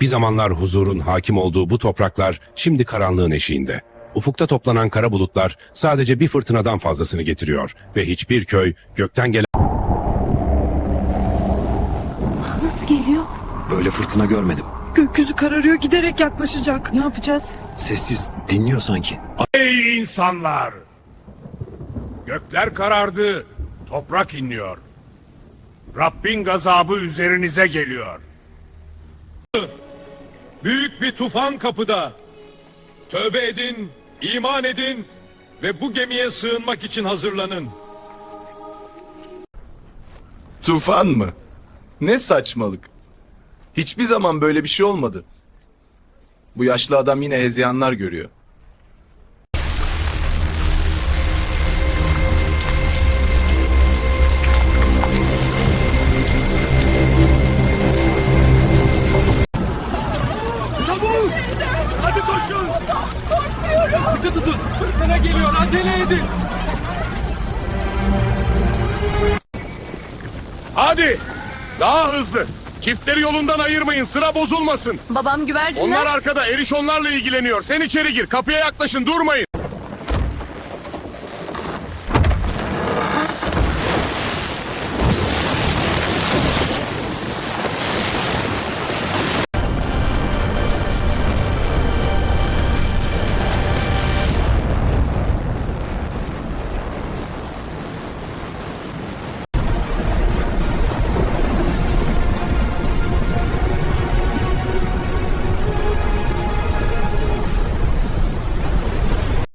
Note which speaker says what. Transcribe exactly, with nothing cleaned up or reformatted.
Speaker 1: Bir zamanlar huzurun hakim olduğu bu topraklar şimdi karanlığın eşiğinde. Ufukta toplanan kara bulutlar sadece bir fırtınadan fazlasını getiriyor ve hiçbir köy gökten gelen...
Speaker 2: Nasıl geliyor?
Speaker 3: Böyle fırtına görmedim.
Speaker 4: Gökyüzü kararıyor, giderek yaklaşacak.
Speaker 2: Ne yapacağız?
Speaker 3: Sessiz, dinliyor sanki.
Speaker 5: Ey insanlar! Gökler karardı, toprak inliyor. Rabbin gazabı üzerinize geliyor.
Speaker 6: Büyük bir tufan kapıda. Tövbe edin, iman edin ve bu gemiye sığınmak için hazırlanın.
Speaker 7: Tufan mı? Ne saçmalık. Hiçbir zaman böyle bir şey olmadı. Bu yaşlı adam yine hezeyanlar görüyor.
Speaker 6: Hadi koşun! Sıkı tutun! Fırtına geliyor, acele edin!
Speaker 5: Hadi! Daha hızlı! Çiftleri yolundan ayırmayın, sıra bozulmasın.
Speaker 2: Babam güvercinler.
Speaker 5: Onlar arkada, Eriş onlarla ilgileniyor. Sen içeri gir, kapıya yaklaşın, durmayın.